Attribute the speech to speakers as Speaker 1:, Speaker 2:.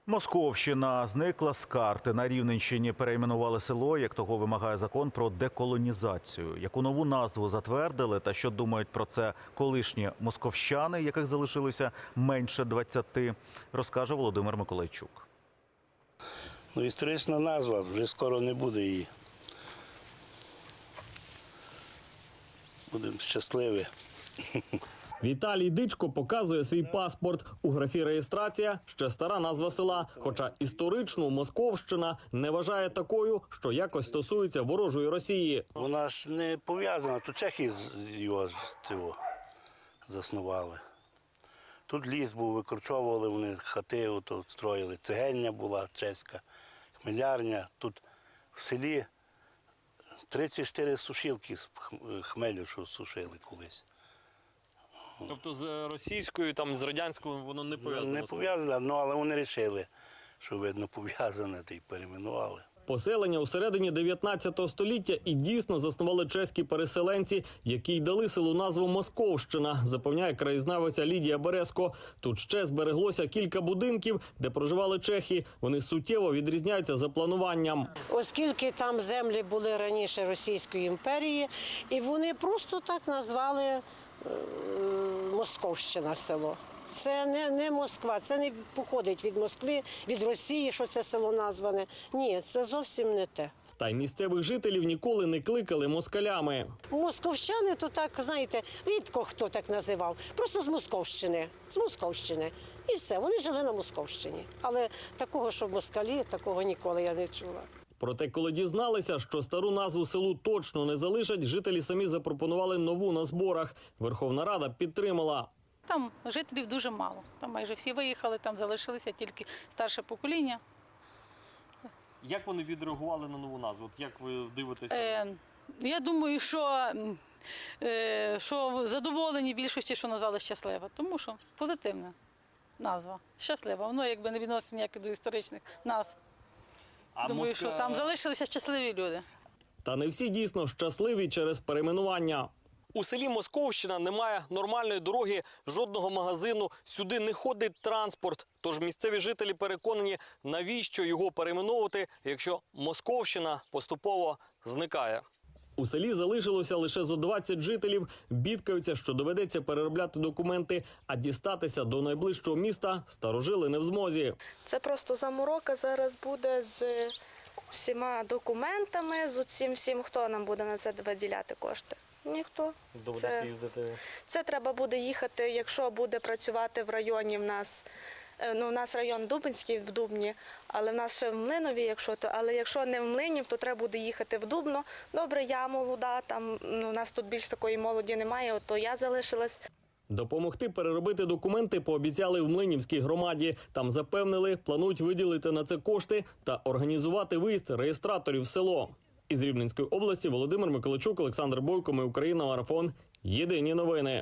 Speaker 1: Московщина зникла з карти. На Рівненщині перейменували село, як того вимагає закон про деколонізацію. Яку нову назву затвердили та що думають про це колишні московщани, яких залишилося менше 20, розкаже Володимир Миколайчук.
Speaker 2: Історична назва, вже скоро не буде її. Будемо щасливі.
Speaker 3: Віталій Дичко показує свій паспорт. У графі «Реєстрація» ще стара назва села, хоча історичну Московщина не вважає такою, що якось стосується ворожої Росії.
Speaker 2: Вона ж не пов'язана, то чехи його заснували. Тут ліс був, викорчовували вони хати, ото строїли. Цегельня була чеська, хмелярня. Тут в селі 34 сушилки з хмелю, що сушили колись.
Speaker 4: Тобто з російською, там, з радянською воно не пов'язано?
Speaker 2: Не пов'язано, але вони вирішили, що, видно, пов'язане, та й перейменували.
Speaker 3: Поселення у середині 19 століття і дійсно заснували чеські переселенці, які й дали селу назву Московщина, запевняє краєзнавиця Лідія Березко. Тут ще збереглося кілька будинків, де проживали чехи. Вони суттєво відрізняються за плануванням.
Speaker 5: Оскільки там землі були раніше Російської імперії, і вони просто так назвали Московщина село. Це не Москва, це не походить від Москви, від Росії, що це село назване. Ні, це зовсім не те.
Speaker 3: Та й місцевих жителів ніколи не кликали москалями.
Speaker 5: Московщани, то так, знаєте, рідко хто так називав. Просто з Московщини. З Московщини. І все, вони жили на Московщині. Але такого, що москалі, такого ніколи я не чула.
Speaker 3: Проте, коли дізналися, що стару назву селу точно не залишать, жителі самі запропонували нову на зборах. Верховна Рада підтримала.
Speaker 6: Там жителів дуже мало. Там майже всі виїхали, там залишилося тільки старше покоління.
Speaker 4: Як вони відреагували на нову назву? От як ви дивитеся?
Speaker 6: Я думаю, що задоволені більшості, що назвали «Щаслива», тому що позитивна назва. «Щаслива». Воно якби не відноситься ніяк до історичних назв. Думаю, що там залишилися щасливі люди.
Speaker 3: Та не всі дійсно щасливі через перейменування.
Speaker 4: У селі Московщина немає нормальної дороги, жодного магазину, сюди не ходить транспорт. Тож місцеві жителі переконані, навіщо його перейменовувати, якщо Московщина поступово зникає.
Speaker 3: У селі залишилося лише зо 20 жителів. Бідкаються, що доведеться переробляти документи, а дістатися до найближчого міста старожили не в змозі.
Speaker 7: Це просто заморока зараз буде з всіма документами, з усім всім, хто нам буде на це виділяти кошти. Ніхто.
Speaker 4: Доведеться їздити.
Speaker 7: Це треба буде їхати, якщо буде працювати в районі в нас. Ну, у нас район Дубинський в Дубні, але в нас ще в Млинові, але якщо не в Млинів, то треба буде їхати в Дубно. Добре, я молода, там у нас тут більш такої молоді немає, то я залишилась.
Speaker 3: Допомогти переробити документи пообіцяли в Млинівській громаді. Там запевнили, планують виділити на це кошти та організувати виїзд реєстраторів в село. Із Рівненської області Володимир Миколайчук, Олександр Бойко, Ми Україна, Марафон. Єдині новини.